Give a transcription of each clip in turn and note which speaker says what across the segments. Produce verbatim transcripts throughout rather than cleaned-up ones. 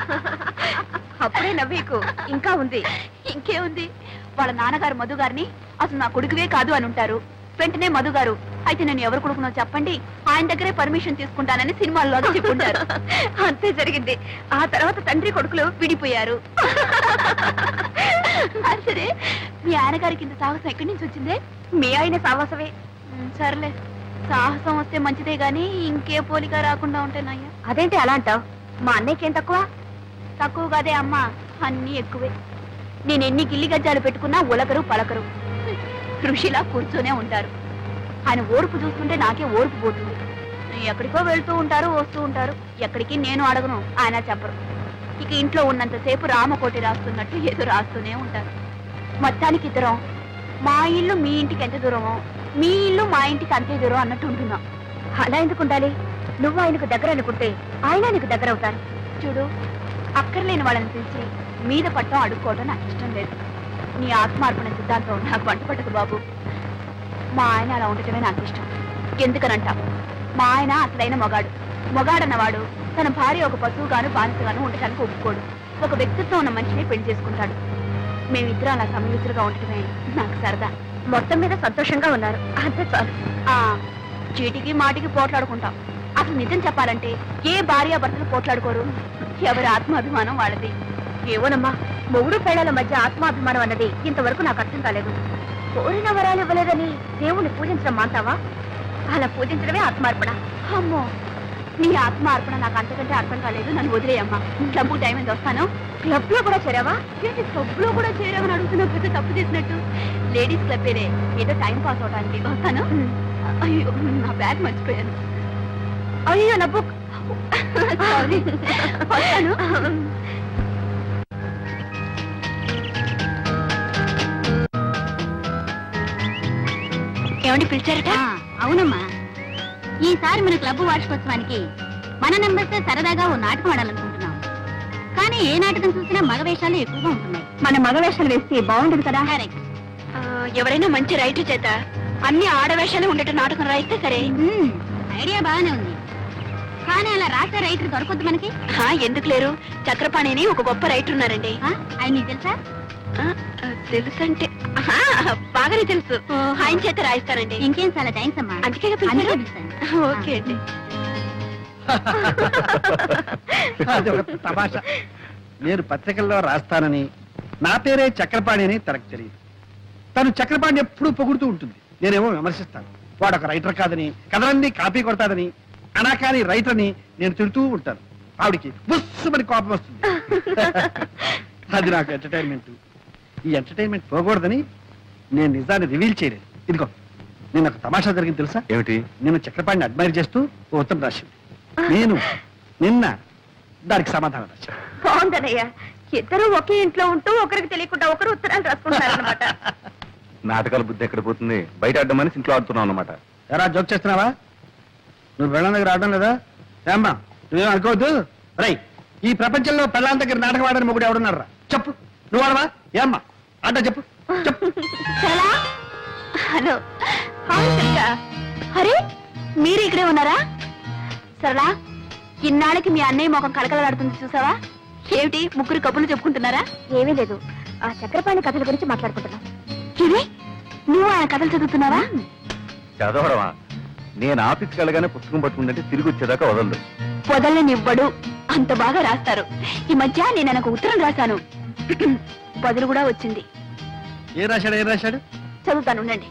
Speaker 1: అప్పుడే నవ్వీకు ఇంకా ఉంది.
Speaker 2: ఇంకేముంది, వాళ్ళ నాన్నగారు మధు గారిని అసలు నా కొడుకువే కాదు అని ఉంటారు. వెంటనే మధు గారు అయితే నేను ఎవరు కొడుకునో చెప్పండి, ఆయన దగ్గరే పర్మిషన్ తీసుకుంటానని సినిమాల్లో చెప్పుంటారు.
Speaker 1: అంతే జరిగింది. ఆ తర్వాత తండ్రి కొడుకులు విడిపోయారు.
Speaker 2: సరే, మీ ఆయన గారికి ఇంత సాహసం ఎక్కడి నుంచి వచ్చిందే?
Speaker 1: మీ ఆయన సాహసమే.
Speaker 2: సర్లే, సాహసం వస్తే మంచిదే గాని ఇంకే పోలిక రాకుండా ఉంటేనయ్యా.
Speaker 1: అదేంటి అలా అంటావు? మా అన్నయ్యకేం తక్కువ?
Speaker 2: తక్కువ కాదే అమ్మా, అన్నీ ఎక్కువే. నేను ఎన్ని గిల్లి గజ్జాలు పెట్టుకున్నా ఉలకరు పలకరు, ఋషిలా కూర్చొనే ఉంటారు. ఆయన ఓర్పు చూస్తుంటే నాకే ఓర్పు పోతుంది. ఎక్కడికో వెళ్తూ ఉంటారు, వస్తూ ఉంటారు. ఎక్కడికి నేను అడగను, ఆయన చెప్పరు. ఇక ఇంట్లో ఉన్నంతసేపు రామకోటి రాస్తున్నట్టు ఏదో రాస్తూనే ఉంటారు. మొత్తానికి ఇద్దరం మా ఇల్లు మీ ఇంటికి ఎంత దూరమో, మీ ఇల్లు మా ఇంటికి అంతే దూరం అన్నట్టు ఉంటున్నాం.
Speaker 1: అలా ఎందుకు ఉండాలి? నువ్వు ఆయనకు దగ్గర అనుకుంటే ఆయన నీకు దగ్గర అవుతారు.
Speaker 2: చూడు, అక్కర్లేని వాళ్ళని పిలిచి మీద పట్టం అడుక్కోవడం నాకు ఇష్టం లేదు. నీ ఆత్మార్పణ సిద్ధాంతం నాకు వంట పట్టదు బాబు. మా ఆయన అలా ఉండటమే నాకు ఇష్టం. ఎందుకనంటా, మా ఆయన అసలైన మొగాడు. మొగాడన్నవాడు తన భార్య ఒక పశువుగాను బానిసగాను ఉండటానికి ఒప్పుకోడు. ఒక వ్యక్తిత్వం ఉన్న మనిషిని పెళ్లి చేసుకుంటాడు. మేమిద్దరం అలా సమయుతులుగా ఉండటమే నాకు సరదా.
Speaker 1: మొత్తం మీద సంతోషంగా ఉన్నారు, అంతే చాలు.
Speaker 2: ఆ చీటికి మాటికి పోట్లాడుకుంటాం. అసలు నిజం చెప్పాలంటే ఏ భార్యాభర్తలు పోట్లాడుకోరు. ఎవరి ఆత్మాభిమానం వాళ్ళది.
Speaker 1: ఏవోనమ్మా, మొగుడు పేడల మధ్య ఆత్మాభిమానం అన్నది ఇంతవరకు నాకు అర్థం కాలేదు. కోరిన వరాలు ఇవ్వలేదని దేవుణ్ణి పూజించడం మాంటావా? అలా పూజించడమే ఆత్మార్పణ.
Speaker 2: అమ్మో, నీ ఆత్మార్పణ నాకు అంతకంటే అర్థం కాలేదు. నన్ను వదిలేయమ్మా. క్లబ్ టైం ఎంత వస్తాను?
Speaker 1: క్లబ్ లో కూడా చేరావా?
Speaker 2: ఏంటి క్లబ్ లో కూడా చేరామని అడుగుతున్నా? పెద్ద తప్పు చేసినట్టు. లేడీస్ క్లబ్ ఏదే, ఏదో టైం పాస్ అవడానికి వస్తాను. అయ్యో, నా బ్యాగ్ మర్చిపోయాను.
Speaker 1: అయ్యో నా బుక్.
Speaker 2: సారీ, వస్తాను. ఏమండి పిలిచారట?
Speaker 3: అవునమ్మా, ఈసారి మన క్లబ్ వార్షికోత్సవానికి మన నెంబర్స్ సరదాగా ఓ నాటకం ఆడాలనుకుంటున్నాం. కానీ ఏ నాటకం చూసినా మగ వేషాలు ఎక్కువగా ఉంటున్నాయి.
Speaker 1: మన మగ వేషాలు వేస్తే బాగుండదు కదా?
Speaker 3: కరెక్ట్.
Speaker 2: ఎవరైనా మంచి రైటర్ చేత అన్ని ఆడవేషాలు ఉండేట నాటకం రాయిస్తే సరే.
Speaker 3: ఐడియా బాగానే ఉంది, కానీ అలా రాసే రైటర్ దొరకొద్దు మనకి.
Speaker 2: ఎందుకు లేరు? చక్రపాణిని ఒక గొప్ప రైటర్ ఉన్నారండి.
Speaker 3: ఆయన నీకు తెలుసా?
Speaker 2: తెలుసంటే బాగానే తెలుసు. ఆయన చేత రాయిస్తారండి.
Speaker 3: ఇంకేం, చాలా థ్యాంక్స్ అమ్మా.
Speaker 2: అందుకే ఓకే అండి.
Speaker 4: తమాషా, నేను పత్రికల్లో రాస్తానని నా పేరే చక్రపాణి అని తనకు తెలియదు. తను చక్రపాణి ఎప్పుడూ పొగుడుతూ ఉంటుంది, నేనేమో విమర్శిస్తాను. వాడు ఒక రైటర్ కాదని, కథలన్నీ కాపీ కొడతాదని, అనాకాని రైటర్ అని నేను తిడుతూ ఉంటాను. ఆవిడికి బుస్సుమని కోపం వస్తుంది. అది నాకు ఎంటర్టైన్మెంట్. ఈ ఎంటర్టైన్మెంట్ పోకూడదని నేను నిజాన్ని రివీల్ చేయలేదు. ఇదిగో, నేను ఒక తమాషా జరిగింది తెలుసా?
Speaker 5: ఏమిటి?
Speaker 4: నేను చక్రపాణిని అడ్మైర్ చేస్తూ ఓ ఉత్తరం రాసింది. నేను నిన్న దానికి సమాధానం రాశాను.
Speaker 1: బాగుందనయ్యా, ఇద్దరు ఒకే ఇంట్లో ఉంటూ ఒకరికి తెలియకుండా ఒకరు ఉత్తరాలు రాసుకుంటారన్నమాట.
Speaker 5: నాటకాల బుద్ధి ఎక్కడ పోతుంది? బయట ఆడమని ఇంట్లో ఆడుతున్నావు అన్నమాట.
Speaker 4: ఎరా జోక్ చేస్తున్నావా? నువ్వు పెళ్ళాం దగ్గర ఆడడం లేదా? ఏమ్మా, నువ్వేం అనుకోవద్దు. రై, ఈ ప్రపంచంలో పెళ్ళాం దగ్గర నాటకం ఆడని మొగుడు ఎవడున్నారా? చెప్పు. నువ్వు ఆడవా? ఏమ్మా ఆట చెప్పు చెప్పు.
Speaker 2: హలో, అరే మీరు ఇక్కడే ఉన్నారా? సరళా, ఇన్నాళ్ళకి మీ అన్నయ్య ముఖం కలకలాడుతుంది చూసావా? ఏమిటి ముగ్గురు కబుర్లు చెప్పుకుంటున్నారా?
Speaker 1: ఏమీ లేదు, ఆ చక్రపాణి కథల గురించి మాట్లాడుకుంటున్నాం.
Speaker 2: ఇది నువ్వు ఆయన కథలు చదువుతున్నావా?
Speaker 5: చదవడమా? నేను ఆఫీస్కి వెళ్ళగానే పుస్తకం పట్టుకుంటే తిరిగి వచ్చేదాకా వదలదు.
Speaker 2: వదలనివ్వడు, అంత బాగా రాస్తారు. ఈ మధ్య నేను ఆయనకు ఉత్తరం రాశాను, బదులు కూడా వచ్చింది.
Speaker 4: ఏ రాశాడు? ఏం రాశాడు?
Speaker 2: చదువుతాను, ఉండండి.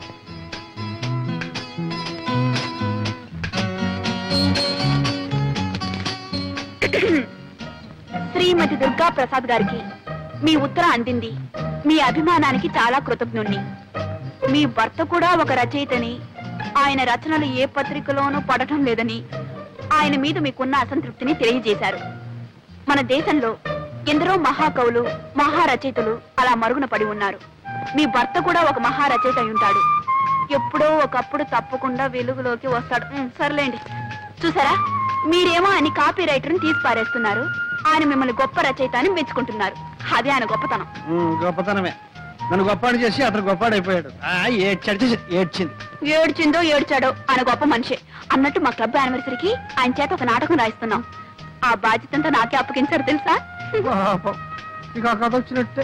Speaker 2: శ్రీమతి దుర్గా ప్రసాద్ గారికి మీ ఉత్తరం అందింది. మీ అభిమానానికి చాలా కృతజ్ఞుణ్ణి. మీ భర్త కూడా ఒక రచయితని, ఆయన రచనలు ఏ పత్రికలోనూ పడటం లేదని, ఆయన మీద మీకున్న అసంతృప్తిని తెలియజేశారు. మన దేశంలో ఎందరో మహాకవులు, మహారచయితలు అలా మరుగున పడి ఉన్నారు. మీ భర్త కూడా ఒక మహారచయిత అయి ఉంటాడు. ఎప్పుడో ఒకప్పుడు తప్పకుండా వెలుగులోకి వస్తాడు. సర్లేండి. చూసారా, మీరేమో ఆయన కాపీ రైటర్ని తీసి పారేస్తున్నారు, ఆయన మిమ్మల్ని గొప్ప రచయిత అని మెచ్చుకుంటున్నారు. అదే ఆయన గొప్పతనం.
Speaker 4: గొప్పతనమే. నన్ను గొప్పాడు చేసి అతను గొప్పాడైపోయాడు. ఏడ్చాడు, ఏడ్చింది.
Speaker 2: ఏడ్చిందో ఏడ్చాడో ఆయన గొప్ప మనిషి. అన్నట్టు మా క్లబ్ యానివర్సరీకి ఆయన చేత ఒక నాటకం రాయిస్తున్నాం. ఆ బాధ్యతంతా నాకే అప్పగించారు తెలుసా?
Speaker 4: పాపం ఇక ఆ కథ వచ్చినట్టే.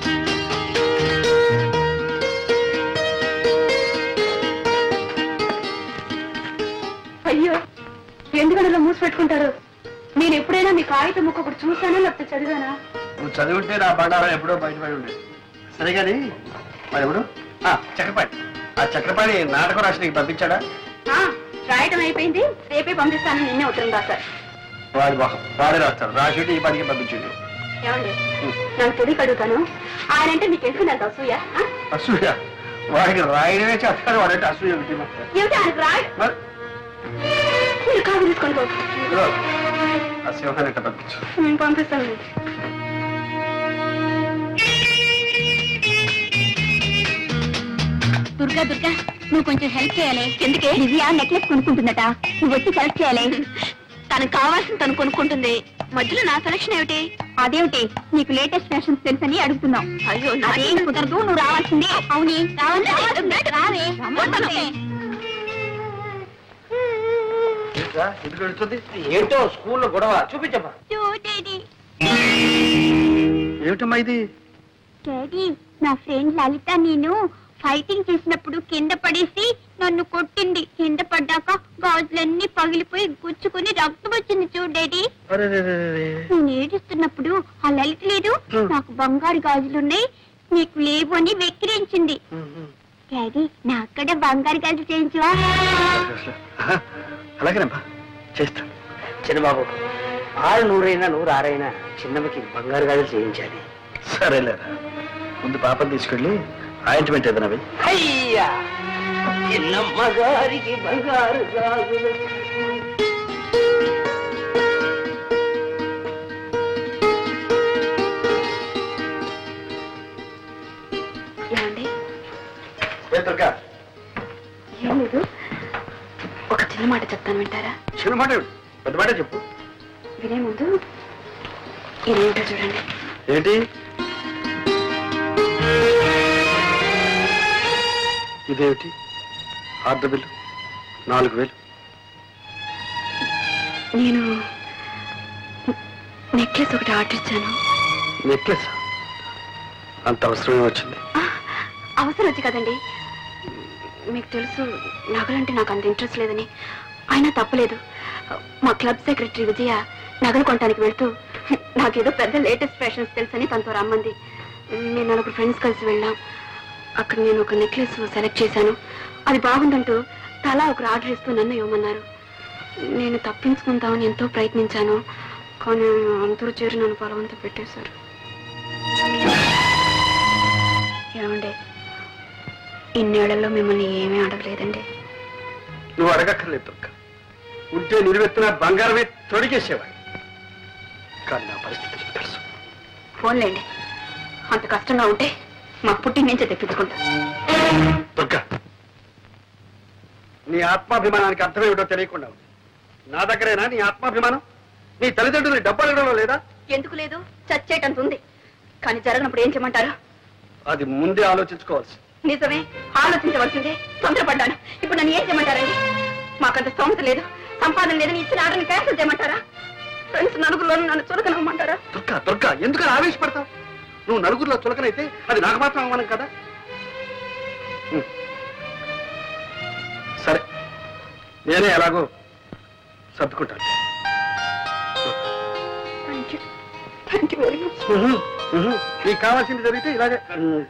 Speaker 2: అయ్యో ఎందుకని ఇలా మూసి పెట్టుకుంటారు? నేను ఎప్పుడైనా మీ కాగితం ముక్క ఒకటి చూసానా లేకపోతే చదివానా?
Speaker 4: నువ్వు చదివింటే నా బండారం ఎప్పుడో బయటపడి ఉండేది. సరే కానీ మరి ఎవరు? ఆ, చక్రపాణి. ఆ చక్రపాణి నాటకం రాసి నీకు పంపించాడా?
Speaker 2: ఆ, రాయటం అయిపోయింది, రేపే పంపిస్తాను. నిన్నే ఉత్తరం రాశారు.
Speaker 4: వాడి మొహం వాడే రాస్తాడు. రాసి ఈ పనికి పంపించండి.
Speaker 2: ఏమండి నాకు తెలియక అడుగుతాను, ఆయన అంటే మీకు ఎందుకు నాకు అసూయ? ఆ?
Speaker 4: అసూయ? వాడికి రాయడమే చేస్తాడు. వాడంటే అసూయ ఒకటి.
Speaker 2: ఏమిటి ఆయనకు రాయ?
Speaker 4: మరి
Speaker 2: మీరు కాదు తీసుకొని పో.
Speaker 4: ఇదిగో, ఆ సింహాన్ని ఇట్ట పంపించు.
Speaker 2: నేను పంపిస్తాను.
Speaker 3: దుర్గా దుర్గా నువ్వు కొంచెం హెల్ప్ చేయాలి. ఎందుకే? దివ్య నెక్లెస్ కొనుక్కుంటుందట, నువ్వు వచ్చి సెలెక్ట్ చేయాలి.
Speaker 2: తనకు కావాల్సింది తను కొనుక్కుంటుంది, మధ్యలో నా సెలక్షన్ ఏమిటి?
Speaker 3: అదేమిటి, నీకు లేటెస్ట్ ఫ్యాషన్స్ తెలుసని అడుగుతున్నావు.
Speaker 2: అయ్యో
Speaker 3: అదేం కుదరదు, నువ్వు రావాల్సిందే. అవుని రావాలి, రావే.
Speaker 4: ఎందుకు వెళ్తుంది?
Speaker 6: ఏంటో స్కూల్లో గొడవ చూపించమ్మా.
Speaker 3: చూడేది
Speaker 4: ఏమిటమ్మా ఇది?
Speaker 3: డాడీ, నా ఫ్రెండ్ లలిత నేను ఫైటింగ్ చేసినప్పుడు కింద పడేసి నన్ను కొట్టింది. కింద పడ్డాక గాజులన్నీ పగిలిపోయి గుచ్చుకుని రక్తం వచ్చింది చూడు డాడీ. నేను ఏడుస్తున్నప్పుడు ఆ లలిత లేదు, నాకు బంగారు గాజులున్నాయి నీకు లేవు అని వెక్కిరించింది. డాడీ, నా అక్కడ బంగారు గాజులు చేయించవా?
Speaker 4: అలాగేనమ్మా, చేస్తాను.
Speaker 6: చిన్నబాబు, ఆరు నూరైనా నూరు ఆరైనా చిన్నమ్మకి బంగారు గాజులు చేయించాలి.
Speaker 4: సరేలేరా, ముందు పాపం తీసుకెళ్ళి ఆయింట్మెంట్ ఏదైనా వెయ్యి.
Speaker 6: అయ్యా, చిన్నమ్మ గారికి బంగారు గాజులు.
Speaker 2: ఏమండి?
Speaker 4: ఏ దుర్గా,
Speaker 2: ఏం లేదు, ఒక చిన్న మాట చెప్తాను, వింటారా?
Speaker 4: చిన్న మాట ఏమిటి? పెద్ద మాట చెప్పు.
Speaker 2: వినే ముందు ఇదేంటో చూడండి.
Speaker 4: ఏంటి ఇదేమిటి? ఆర్డర్ బిల్లు నాలుగు వేలు.
Speaker 2: నేను నెక్లెస్ ఒకటి ఆర్డర్ ఇచ్చాను.
Speaker 4: నెక్లెస్ అంత అవసరమే వచ్చింది?
Speaker 2: అవసరం వచ్చి కదండి, మీకు తెలుసు నగలంటే నాకు అంత ఇంట్రెస్ట్ లేదని. అయినా తప్పలేదు, మా క్లబ్ సెక్రటరీ విజయ నగలు కొనడానికి వెళ్తూ నాకేదో పెద్ద లేటెస్ట్ ఫ్యాషన్స్ తెలుసని తనతో రమ్మంది. నేను నలుగురు ఫ్రెండ్స్ కలిసి వెళ్ళాం. అక్కడ నేను ఒక నెక్లెస్ సెలెక్ట్ చేశాను. అది బాగుందంటూ తలా ఒకరు ఆర్డర్ ఇస్తూ నన్ను ఇవ్వమన్నారు. నేను తప్పించుకుందామని ఎంతో ప్రయత్నించాను, కానీ అందరూ చేరి నన్ను బలవంతం పెట్టేశారు. ఏమండి, ఇన్నేళ్లలో మిమ్మల్ని ఏమీ అడగలేదండి.
Speaker 4: నువ్వు అడగక్కర్లేదు దుర్గా. ఉంటే నిలువెత్తున బంగారమే తొడిగేసేవాడు. కానీ నా పరిస్థితి నీకు తెలుసు.
Speaker 2: ఫోన్లేండి, అంత కష్టంగా ఉంటే మా పుట్టి నుంచే తెప్పించుకుంటా.
Speaker 4: దుర్గా, నీ ఆత్మాభిమానానికి అర్థమేమిటో తెలియకుండా ఉంది. నా దగ్గరేనా నీ ఆత్మాభిమానం? నీ తల్లిదండ్రులు డబ్బు అడగడంలో లేదా?
Speaker 2: ఎందుకు లేదు, చచ్చేటంత ఉంది. కానీ జరగనప్పుడు ఏం చేయమంటారు?
Speaker 4: అది ముందే ఆలోచించుకోవాల్సి.
Speaker 2: నిజమే, ఆలోచించవలసిందే. తొందరపడ్డాను. ఇప్పుడు నన్ను ఏం చేయమంటారండి? మాకంత స్తోమత లేదు, సంపాదన లేదని ఇచ్చిన ఆర్డర్ని క్యాన్సిల్ చేయమంటారా? ఫ్రెండ్స్ నలుగురులో నన్ను చులకనమ్మంటారా?
Speaker 4: దుర్గా దుర్గా, ఎందుకని ఆవేశపడతావు? నువ్వు నలుగురిలో చులకనైతే అది నాకు మాత్రం అవమానం కదా. ఉం. సరే, నేనే ఎలాగో సర్దుకుంటాను.
Speaker 2: Thank you thank you very much.
Speaker 4: ఉహు, ఉహు. నీకు కావాల్సింది జరిగితే ఇలాగే ఉం,